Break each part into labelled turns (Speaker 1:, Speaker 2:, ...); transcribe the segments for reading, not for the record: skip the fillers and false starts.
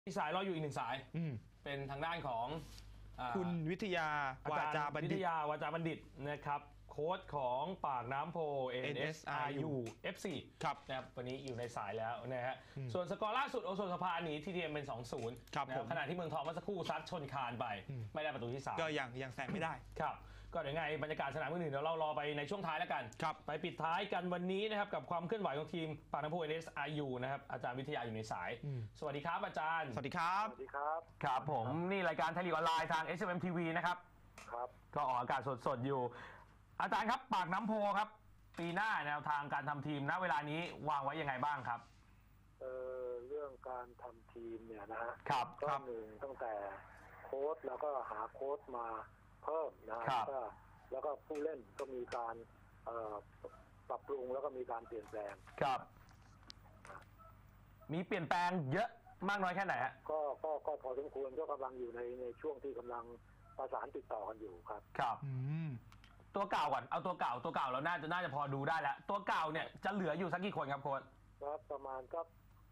Speaker 1: มีสายรออยู่อีกหนึ่งสายเป็นทางด้านของ
Speaker 2: คุณวิทยาวาจาบัณฑิต
Speaker 1: นะครับโค้ชของปากน้ำโพ NSRU FC
Speaker 2: ครับ
Speaker 1: นะครับวันนี้อยู่ในสายแล้วนะฮะส่วนสกอร์ล่าสุดโอโซนสภาหนี TTM เป็น 2-0 นะครับขณะที่เมืองทองเมื่อสักครู่ซัดชนคานไปไม่ได้ประตูที่3
Speaker 2: ก็ยังแซงไม่ได้
Speaker 1: ครับก็เดี๋ยวไงบรรยากาศสนามอื่นๆเดี๋ยวเรารอไปในช่วงท้ายแล้วกันไปปิดท้ายกันวันนี้นะครับกับความเคลื่อนไหวของทีมปากน้ำโพ NSRU นะครับอาจารย์วิทยาอยู่ในสายสวัสดีครับอาจารย์
Speaker 2: สวัสดีครับ
Speaker 3: สวัสดีครับ
Speaker 1: ครับผมนี่รายการไทยลีกออนไลน์ทาง SMM TV นะครับ
Speaker 3: ครับ
Speaker 1: ก็ออกอากาศสดๆอยู่อาจารย์ครับปากน้ำโพครับปีหน้าแนวทางการทำทีมณเวลานี้วางไว้ยังไงบ้างครับ
Speaker 3: เรื่องการทำทีมเนี่ยนะฮะ
Speaker 1: ครับ
Speaker 3: ก็หนึ่งตั้งแต่โค้ชแล้วก็หาโค้ชมาเพิ่มนะครับแล้วก็ผู้เล่นก็มีการปรับปรุงแล้วก็มีการเปลี่ยนแปลง
Speaker 1: ครับมีเปลี่ยนแปลงเยอะมากน้อยแค่ไหนฮะ
Speaker 3: ก็พอสมควรก็กำลังอยู่ในช่วงที่กำลังประสานติดต่อกันอยู่ครับ
Speaker 1: ครับตัวเก่าก่อนเอาตัวเก่าเราน่าจะพอดูได้แล้วตัวเก่าเนี่ยจะเหลืออยู่สักกี่คนครับโค้ช
Speaker 3: ครับประมาณก็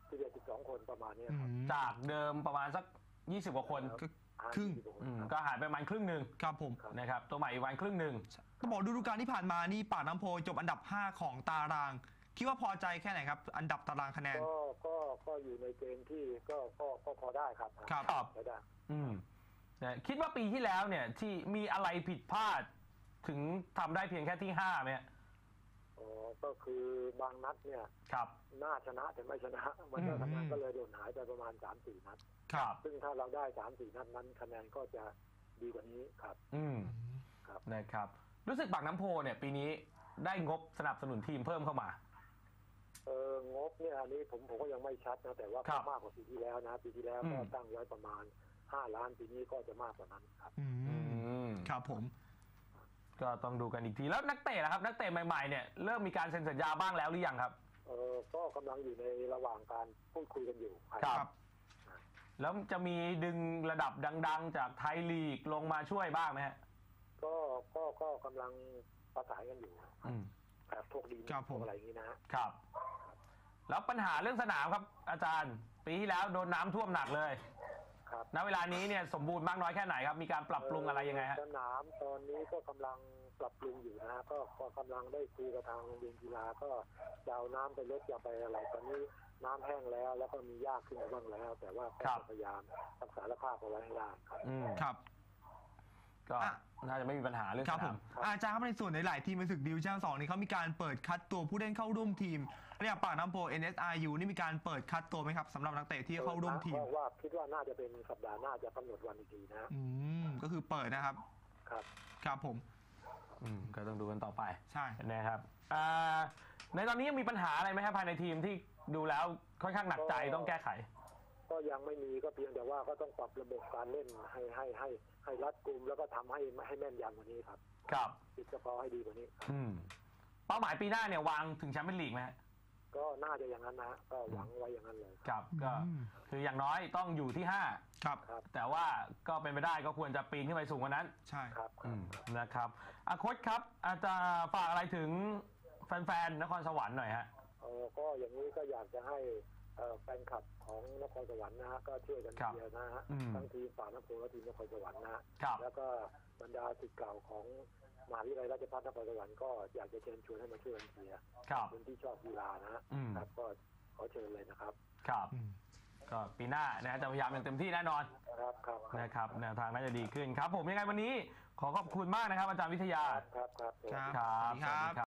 Speaker 3: 11-12 คนประมาณนี้ครับ
Speaker 1: จากเดิมประมาณสัก20กว่าคน
Speaker 2: ครึ่ง
Speaker 1: ก็หายไปประมาณครึ่งหนึ่ง
Speaker 2: ครับผม
Speaker 1: นะครับตัวใหม่อีกวันครึ่งหนึ่ง
Speaker 2: ก็บอกฤดูกาลที่ผ่านมานี่ปากน้ำโพจบอันดับ5ของตารางคิดว่าพอใจแค่ไหนครับอันดับตารางคะแนน
Speaker 3: ก็อยู่ในเกณฑ์ที่ก็พอได้ครับ
Speaker 1: ครับ
Speaker 3: พอได้
Speaker 1: คิดว่าปีที่แล้วเนี่ยที่มีอะไรผิดพลาดถึงทำได้เพียงแค่ที่5ไหม
Speaker 3: ก็คือบางนัดเนี่ยน่าชนะแต่ไม่ชนะมันก็คะแนนก็เลยโดนหายไปประมาณ 3-4 นัดซึ่งถ้าเราได้ 3-4 นัดนั้นคะแนนก็จะดีกว่านี้ครับ
Speaker 1: ครับนะครับรู้สึกปากน้ำโพเนี่ยปีนี้ได้งบสนับสนุนทีมเพิ่มเข้าม
Speaker 3: างบเนี่ยอันนี้ผมก็ยังไม่ชัดนะแต่ว่ามากกว่าปีที่แล้วนะปีที่แล้วก็ตั้งไว้ประมาณ5 ล้านปีนี้ก็จะมากกว่านั้นครับ
Speaker 2: ครับผม
Speaker 1: ก็ต้องดูกันอีกทีแล้วนักเตะนะครับนักเตะใหม่ๆเนี่ยเริ่มมีการเซ็นสัญญาบ้างแล้วหรือยังครับ
Speaker 3: ก็กำลังอยู่ในระหว่างการพูดคุยกันอยู่
Speaker 1: ครับแล้วจะมีดึงระดับดังๆจากไทยลีกลงมาช่วยบ้างไหมฮะ
Speaker 3: ก็กำลังประสานกันอยู่แบบพวกดีอะไรอย่างนี้
Speaker 1: นะครับแล้วปัญหาเรื่องสนามครับอาจารย์ปีที่แล้วโดนน้ำท่วมหนักเลยณเวลานี้เนี่ยสมบูรณ์มากน้อยแค่ไหนครับมีการปรับปรุงอะไรยังไงฮะ
Speaker 3: สนามตอนนี้ก็กำลังปรับปรุงอยู่นะก็กำลังได้คุยกับทางโรงเรียนกีฬาก็จะเอาน้ำไปลดจะไปอะไรตอนนี้น้ำแห้งแล้วก็มีหญ้าขึ้นมาบ้างแล้วแต่ว่าก็พยายามรักษาสภาพเอาไว้ให้ได้
Speaker 1: ครับก็น่าจะไม่มีปัญหาเรื่อง
Speaker 2: สนามอาจารย์ครับในส่วนในหลายทีมในศึกดิวิชั่น 2นี่เขามีการเปิดคัดตัวผู้เล่นเข้าร่วมทีมและอย่างปากน้ำโพ NSRU นี่มีการเปิดคัดตัวไหมครับสำหรับนักเตะที่เข้าร่วมทีม
Speaker 3: ว่าคิดว่าน่าจะเป็นสัปดาห์หน้าจะกำหนดวันอีกทีนะ
Speaker 2: ก็คือเปิดนะครับครับผม
Speaker 1: ก็ต้องดูกันต่อไป
Speaker 2: ใช่
Speaker 1: นะครับในตอนนี้ยังมีปัญหาอะไรไหมครับภายในทีมที่ดูแล้วค่อนข้างหนักใจต้องแก้ไข
Speaker 3: ก็ยังไม่มีก็เพียงแต่ว่าก็ต้องปรับระบบการเล่นให้รัดกุมแล้วก็ทำให้แม่นยำกว่านี้ครับติดสกอร์ให้ดีกว่านี้
Speaker 1: เป้าหมายปีหน้าเนี่ยวางถึงแชมเปี้ยนลีกไหม
Speaker 3: ก็น่าจะอย่างนั้นนะก็หวังไว้อย่างนั้นเลย
Speaker 1: ครับก็คืออย่างน้อยต้องอยู่ที่5
Speaker 2: ครับ
Speaker 1: แต่ว่าก็เป็นไปได้ก็ควรจะปีนขึ้นไปสูงกว่านั้น
Speaker 2: ใช่
Speaker 3: ครับ
Speaker 1: นะครับโค้ชครับอาจจะฝากอะไรถึงแฟนๆนครสวรรค์หน่อยฮะ
Speaker 3: ก็อย่างนี้ก็อยากจะให้แฟนคลับของนครสวรรค์นะฮะก็ช่วยกันเชียร์นะฮะทั้งทีมปากน้ำโพและทีมนครสวรรค์นะแล้วก็บรรดาศิษย์เก่าของมหาวิทยาลัยราชภัฏนครสวรรค์ก็อยากจะเชิญชวนให้มาช่วยกันเชียร์คนที่ชอบกีฬานะครับก็ขอเชิญเลยนะครับ
Speaker 1: ก็ปีหน้านะจะพยายามอย่างเต็มที่แน่นอนนะครับแนวทางน่าจะดีขึ้นครับผมยังไงวันนี้ขอขอบคุณมากนะครับอาจารย์วิทยา
Speaker 3: ครับ
Speaker 1: ครับ